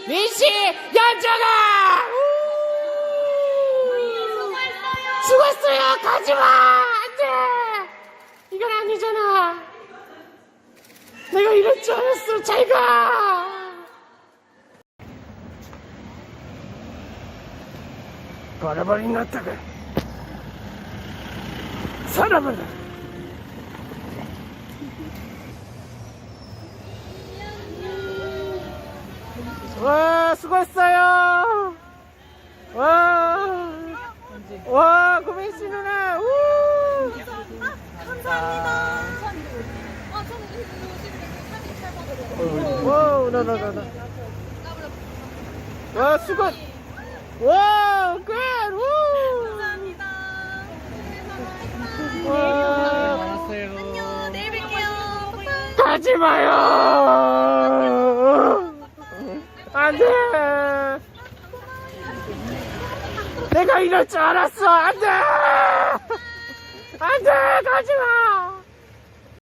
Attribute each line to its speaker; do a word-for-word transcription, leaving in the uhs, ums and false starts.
Speaker 1: 민씨 연정아 수고했어요. 가지마. 안돼. 이건 아니잖아. 내가 이럴 줄 알았어. 잘가. 바라바리 났다가 살아봐라. 와 수고했어요. 와, 와 고민씨 누나. 우.
Speaker 2: 감사합니다. 아, 저는 이거 사진 잘
Speaker 1: 와, 나나나나. 와 수고. 와, 굿. 우.
Speaker 2: 감사합니다.
Speaker 1: 와.
Speaker 2: 안녕. 내일 뵐게요.
Speaker 1: 가지 마요. 안 돼. 내가 이럴 줄 알았어. 안 돼. 안 돼. 가지 마.